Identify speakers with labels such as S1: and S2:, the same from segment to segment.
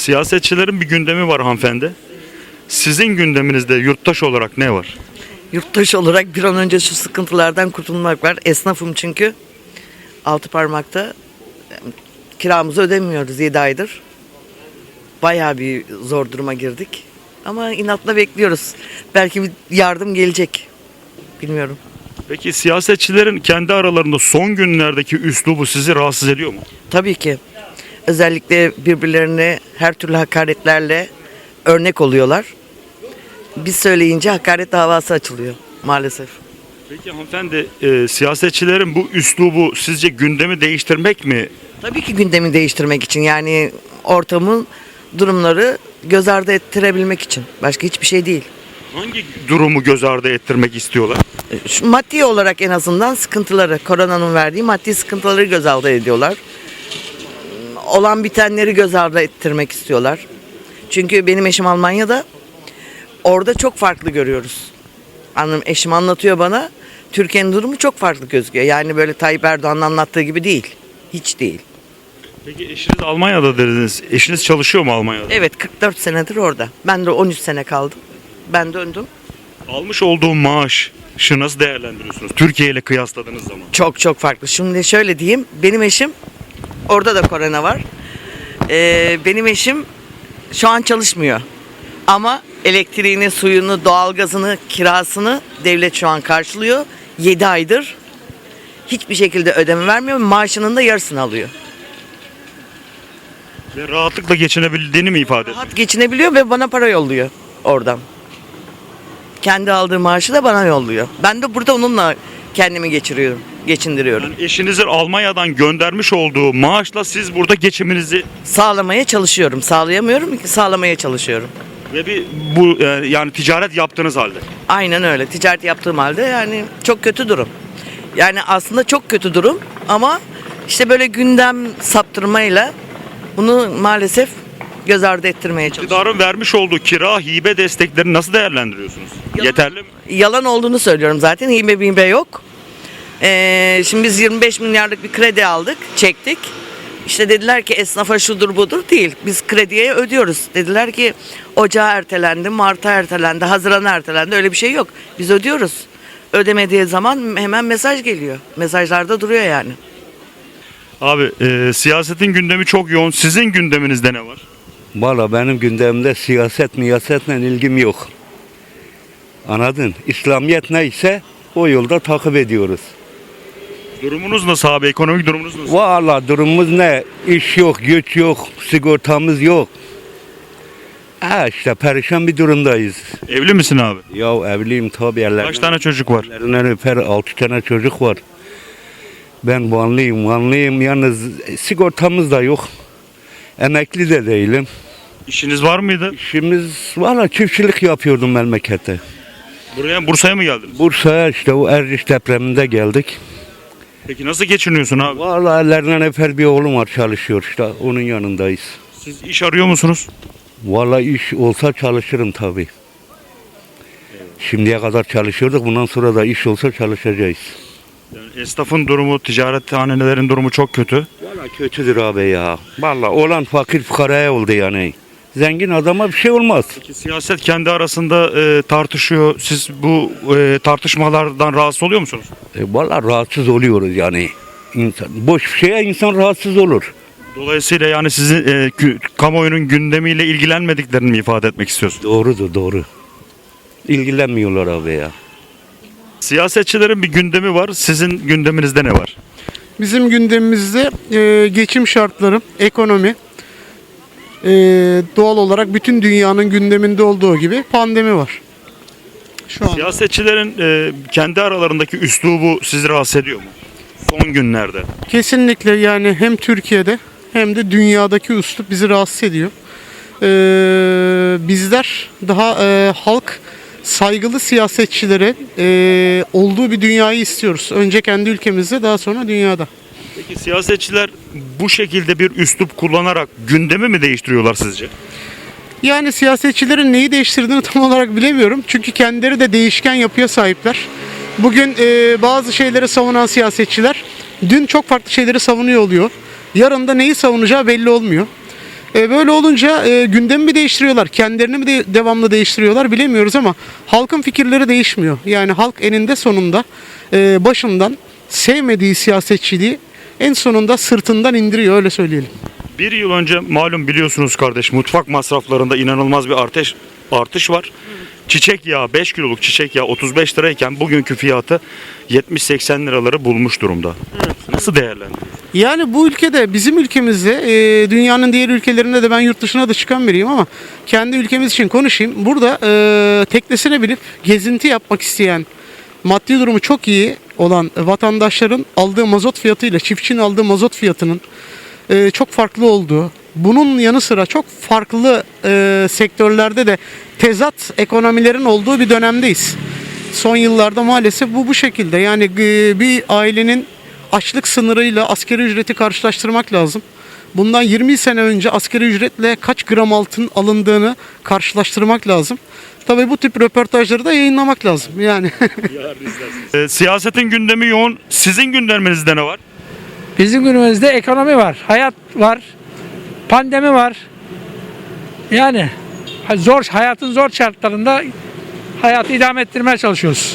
S1: Siyasetçilerin bir gündemi var hanımefendi. Sizin gündeminizde yurttaş olarak ne var?
S2: Yurttaş olarak bir an önce şu sıkıntılardan kurtulmak var. Esnafım çünkü. Altı parmakta kiramızı ödemiyoruz 7 aydır. Bayağı bir zor duruma girdik. Ama inatla bekliyoruz. Belki bir yardım gelecek. Bilmiyorum.
S1: Peki siyasetçilerin kendi aralarında son günlerdeki üslubu sizi rahatsız ediyor mu?
S2: Tabii ki. Özellikle birbirlerine her türlü hakaretlerle örnek oluyorlar. Biz söyleyince hakaret davası açılıyor maalesef.
S1: Peki hanımefendi, siyasetçilerin bu üslubu sizce gündemi değiştirmek mi?
S2: Tabii ki gündemi değiştirmek için, yani ortamın durumları göz ardı ettirebilmek için. Başka hiçbir şey değil.
S1: Hangi durumu göz ardı ettirmek istiyorlar?
S2: Şu maddi olarak en azından sıkıntıları, koronanın verdiği maddi sıkıntıları göz ardı ediyorlar. Olan bitenleri göz ardı ettirmek istiyorlar. Çünkü benim eşim Almanya'da, orada çok farklı görüyoruz. Eşim anlatıyor bana, Türkiye'nin durumu çok farklı gözüküyor. Yani böyle Tayyip Erdoğan'ın anlattığı gibi değil. Hiç değil.
S1: Peki eşiniz Almanya'da dediniz. Eşiniz çalışıyor mu Almanya'da?
S2: Evet, 44 senedir orada. Ben de 13 sene kaldım. Ben döndüm.
S1: Almış olduğu maaşı nasıl değerlendiriyorsunuz? Türkiye ile kıyasladığınız zaman.
S2: Çok çok farklı. Şimdi şöyle diyeyim. Benim eşim, orada da korona var. Benim eşim şu an çalışmıyor. Ama elektriğini, suyunu, doğalgazını, kirasını devlet şu an karşılıyor. 7 aydır hiçbir şekilde ödeme vermiyor. Maaşının da yarısını alıyor.
S1: Ve rahatlıkla geçinebildiğini mi ifade ediyor?
S2: Rahat geçinebiliyor ve bana para yolluyor oradan. Kendi aldığı maaşı da bana yolluyor. Ben de burada onunla kendimi geçindiriyorum.
S1: Yani eşinizin Almanya'dan göndermiş olduğu maaşla siz burada geçiminizi
S2: Sağlamaya çalışıyorum. Sağlayamıyorum ki, sağlamaya çalışıyorum.
S1: ve bu yani ticaret yaptığınız halde.
S2: Aynen öyle. Ticaret yaptığım halde yani çok kötü durum. Yani aslında çok kötü durum ama işte böyle gündem saptırmayla bunu maalesef göz ardı ettirmeye çalışıyorum.
S1: İktidarın vermiş olduğu kira, hibe desteklerini nasıl değerlendiriyorsunuz? Yeterli mi?
S2: Yalan olduğunu söylüyorum zaten. Hibe yok. Şimdi biz 25 milyarlık bir kredi aldık, çektik. İşte dediler ki esnafa şudur budur değil. Biz krediye ödüyoruz. Dediler ki Ocağa ertelendi, Mart'a ertelendi, Haziran'a ertelendi. Öyle bir şey yok. Biz ödüyoruz. Ödemediği zaman hemen mesaj geliyor. Mesajlarda duruyor yani.
S1: Abi siyasetin gündemi çok yoğun. Sizin gündeminizde ne var?
S3: Valla benim gündemimde siyasetle ilgim yok. Anladın? İslamiyet neyse o yolda takip ediyoruz.
S1: Durumunuz nasıl abi? Ekonomik durumunuz nasıl?
S3: Valla durumumuz ne? İş yok, güç yok, sigortamız yok. İşte perişan bir durumdayız.
S1: Evli misin abi?
S3: Ya evliyim tabii.
S1: Kaç tane çocuk var?
S3: Ellerinden öper, 6 tane çocuk var. Ben Vanlıyım. Yalnız sigortamız da yok. Emekli de değilim.
S1: İşiniz var mıydı?
S3: İşimiz valla çiftçilik yapıyordum memlekette.
S1: Bursa'ya mı geldiniz?
S3: Bursa'ya işte o Erciş depreminde geldik.
S1: Peki nasıl geçiniyorsun abi?
S3: Valla ellerinden öper bir oğlum var, çalışıyor işte, onun yanındayız.
S1: Siz iş arıyor musunuz?
S3: Valla iş olsa çalışırım tabii. Şimdiye kadar çalışıyorduk, bundan sonra da iş olsa çalışacağız.
S1: Yani esnafın durumu, ticarethanelerin durumu çok kötü.
S3: Valla kötüdür abi ya. Valla olan fakir fukaraya oldu yani. Zengin adama bir şey olmaz.
S1: Peki siyaset kendi arasında tartışıyor. Siz bu tartışmalardan rahatsız oluyor musunuz?
S3: Valla rahatsız oluyoruz yani. Boş bir şeye insan rahatsız olur.
S1: Dolayısıyla yani sizin kamuoyunun gündemiyle ilgilenmediklerini mi ifade etmek istiyorsunuz?
S3: Doğru. İlgilenmiyorlar abi ya.
S1: Siyasetçilerin bir gündemi var. Sizin gündeminizde ne var?
S4: Bizim gündemimizde geçim şartları, ekonomi, doğal olarak bütün dünyanın gündeminde olduğu gibi pandemi var. Şu an
S1: Siyasetçilerin kendi aralarındaki üslubu sizi rahatsız ediyor mu? Son günlerde.
S4: kesinlikle, yani hem Türkiye'de hem de dünyadaki üslup bizi rahatsız ediyor. Bizler daha halk saygılı siyasetçilere olduğu bir dünyayı istiyoruz. Önce kendi ülkemizde, daha sonra dünyada.
S1: Peki siyasetçiler bu şekilde bir üslup kullanarak gündemi mi değiştiriyorlar sizce?
S4: Yani siyasetçilerin neyi değiştirdiğini tam olarak bilemiyorum. Çünkü kendileri de değişken yapıya sahipler. Bugün bazı şeyleri savunan siyasetçiler dün çok farklı şeyleri savunuyor oluyor. Yarın da neyi savunacağı belli olmuyor. Böyle olunca gündemi mi değiştiriyorlar, kendilerini mi devamlı değiştiriyorlar bilemiyoruz ama halkın fikirleri değişmiyor. Yani halk eninde sonunda başından sevmediği siyasetçiliği en sonunda sırtından indiriyor, öyle söyleyelim.
S1: Bir yıl önce malum biliyorsunuz kardeş, mutfak masraflarında inanılmaz bir artış var. Çiçek yağı, 5 kiloluk çiçek yağı 35 lirayken bugünkü fiyatı 70-80 liraları bulmuş durumda. Nasıl değerlendiriyorsunuz?
S4: Yani bu ülkede, bizim ülkemizde, dünyanın diğer ülkelerinde de, ben yurt dışına da çıkan biriyim ama kendi ülkemiz için konuşayım. Burada teknesine binip gezinti yapmak isteyen, maddi durumu çok iyi olan vatandaşların aldığı mazot fiyatıyla çiftçinin aldığı mazot fiyatının çok farklı olduğu, bunun yanı sıra çok farklı sektörlerde de tezat ekonomilerin olduğu bir dönemdeyiz. Son yıllarda maalesef bu şekilde. Yani bir ailenin açlık sınırıyla asgari ücreti karşılaştırmak lazım. Bundan 20 sene önce asgari ücretle kaç gram altın alındığını karşılaştırmak lazım. Tabii bu tip röportajları da yayınlamak lazım. Yani
S1: Siyasetin gündemi yoğun. Sizin gündeminizde ne var?
S5: Bizim günümüzde ekonomi var, hayat var, pandemi var. Yani hayatın zor şartlarında hayatı idame ettirmeye çalışıyoruz.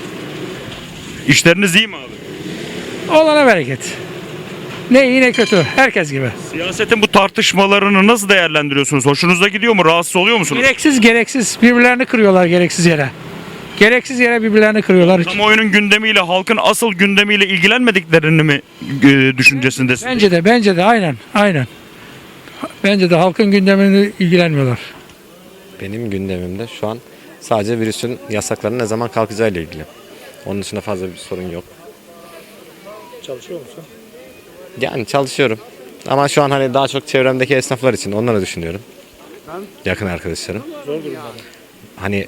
S1: İşleriniz iyi mi abi?
S5: Olana bereket. Ne iyi ne kötü, herkes gibi.
S1: Siyasetin bu tartışmalarını nasıl değerlendiriyorsunuz? Hoşunuza gidiyor mu? Rahatsız oluyor musunuz?
S5: Gereksiz birbirlerini kırıyorlar gereksiz yere. Gereksiz yere birbirlerini kırıyorlar.
S1: Kamuoyunun gündemiyle, halkın asıl gündemiyle ilgilenmediklerini mi düşüncesindesiniz?
S5: Bence de aynen. Bence de halkın gündemini ilgilenmiyorlar.
S6: Benim gündemimde şu an sadece virüsün yasaklarının ne zaman kalkacağı ile ilgili. Onun dışında fazla bir sorun yok.
S7: Çalışıyor musun?
S6: Yani çalışıyorum. Ama şu an hani daha çok çevremdeki esnaflar için onları düşünüyorum. Yakın arkadaşlarım.
S7: Zor durumda.
S6: Hani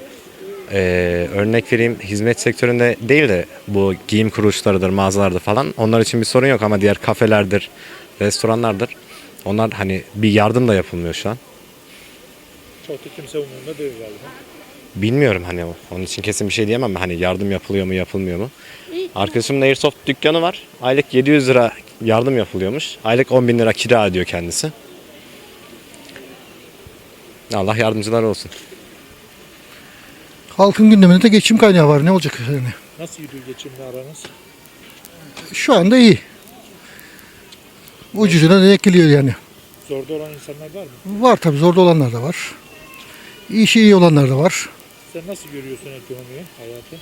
S6: örnek vereyim, hizmet sektöründe değil de bu giyim kuruluşlarıdır, mağazalardır falan. Onlar için bir sorun yok ama diğer kafelerdir, restoranlardır. Onlar hani bir yardım da yapılmıyor şu an.
S7: Çok da kimse umurunda değil galiba.
S6: Bilmiyorum hani onun için kesin bir şey diyemem. Hani yardım yapılıyor mu yapılmıyor mu? Arkadaşımın Airsoft dükkanı var. Aylık 700 lira yardım yapılıyormuş. Aylık 10.000 lira kira ödüyor kendisi. Allah yardımcılar olsun.
S8: Halkın gündeminde de geçim kaynağı var. Ne olacak yani?
S7: Nasıl gidiyor geçimle aranız?
S8: Şu anda iyi. Ucuzuna denk geliyor yani.
S7: Zorda olan insanlar var mı?
S8: Var tabii, zorda olanlar da var. İşi iyi olanlar da var.
S7: Sen nasıl görüyorsun ekonomiyi, hayatı?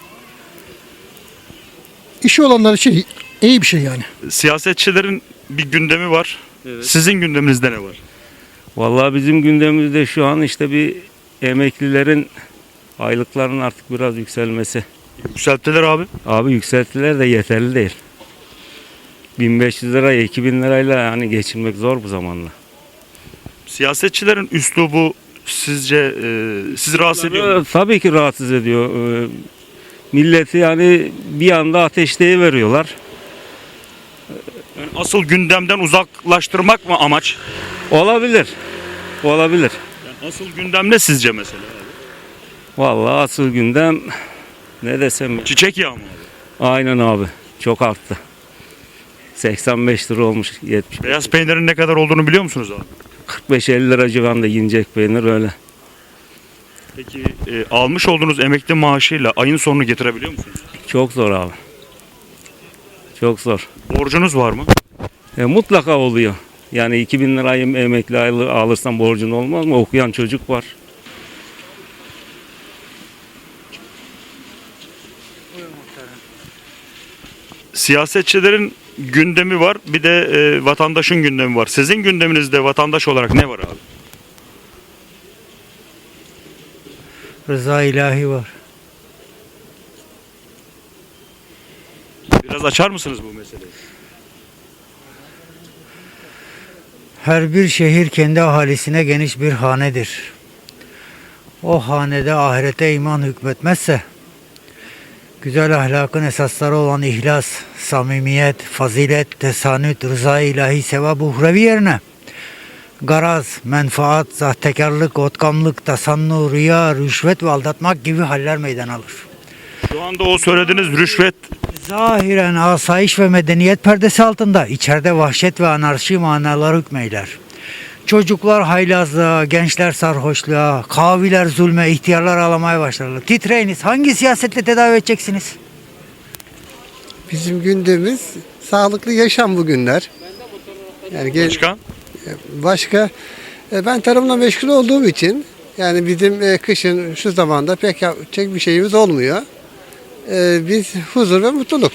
S8: İşi olanlar için iyi bir şey yani.
S1: Siyasetçilerin bir gündemi var. Sizin gündeminizde ne var?
S9: Vallahi bizim gündemimizde şu an işte bir emeklilerin aylıklarının artık biraz yükselmesi.
S1: Yükselttiler abi.
S9: Abi yükselttiler de yeterli değil. 1500 liraya 2000 lirayla yani geçinmek zor bu zamanla.
S1: Siyasetçilerin üslubu sizce sizi rahatsız ediyor mu?
S9: Tabii ki rahatsız ediyor. Milleti yani bir anda ateşleyiveriyorlar.
S1: Yani asıl gündemden uzaklaştırmak mı amaç?
S9: Olabilir. Olabilir.
S1: Yani asıl gündem ne sizce mesela?
S9: Vallahi asıl gündem ne desem.
S1: Çiçek yağı mı abi?
S9: Aynen abi. Çok arttı. 85 lira olmuş 70.
S1: Beyaz peynirin ne kadar olduğunu biliyor musunuz abi?
S9: 45-50 lira civarında yiyecek peynir öyle.
S1: Peki almış olduğunuz emekli maaşıyla ayın sonunu getirebiliyor musunuz?
S9: Çok zor abi. Çok zor.
S1: Borcunuz var mı?
S9: Mutlaka oluyor. Yani 2000 lirayı emekli aylığı alırsam borcun olmaz mı? Okuyan çocuk var.
S1: Siyasetçilerin gündemi var, bir de vatandaşın gündemi var. Sizin gündeminizde vatandaş olarak ne var abi?
S10: Rıza ilahi var.
S1: Biraz açar mısınız bu meseleyi?
S10: Her bir şehir kendi ahalisine geniş bir hanedir. O hanede ahirete iman hükmetmezse, güzel ahlakın esasları olan ihlas, samimiyet, fazilet, tesanüt, rıza ilahi, sevap uhrevi yerine garaz, menfaat, sahtekarlık, otkamlık, tasannu, riya, rüşvet ve aldatmak gibi haller meydana alır.
S1: Şu anda o söylediğiniz rüşvet
S10: Zahiren asayiş ve medeniyet perdesi altında, içeride vahşet ve anarşi manaları hükmeyler. Çocuklar haylazlığa, gençler sarhoşluğa, kaviler zulme, ihtiyarlar ağlamaya başlarlar. Titreyiniz. Hangi siyasetle tedavi edeceksiniz?
S8: Bizim gündemimiz sağlıklı yaşam bugünler. Yani başka ben tarımla meşgul olduğum için yani bizim kışın şu zamanda pek yapacak bir şeyimiz olmuyor. Biz huzur ve mutluluk.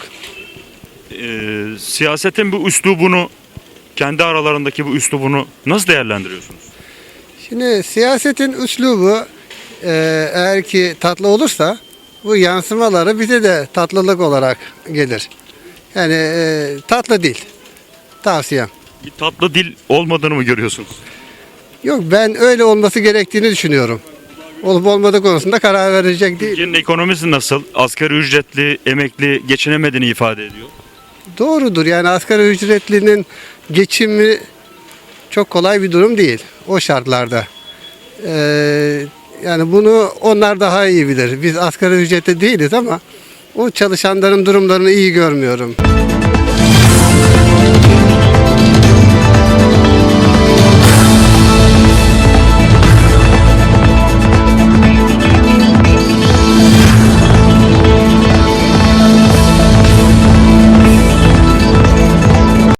S1: Siyasetin bu üslubunu, kendi aralarındaki bu üslubunu nasıl değerlendiriyorsunuz?
S8: Şimdi siyasetin üslubu eğer ki tatlı olursa bu yansımaları bize de tatlılık olarak gelir. Yani tatlı değil. Tavsiyem.
S1: Bir tatlı dil olmadığını mı görüyorsunuz?
S8: Yok, ben öyle olması gerektiğini düşünüyorum. Olup olmadığı konusunda karar verecek değil.
S1: Türkiye'nin ekonomisi nasıl? Asgari ücretli, emekli geçinemediğini ifade ediyor.
S8: Doğrudur, yani asgari ücretlinin geçimi çok kolay bir durum değil o şartlarda. Yani bunu onlar daha iyi bilir. Biz asgari ücretli değiliz ama o çalışanların durumlarını iyi görmüyorum.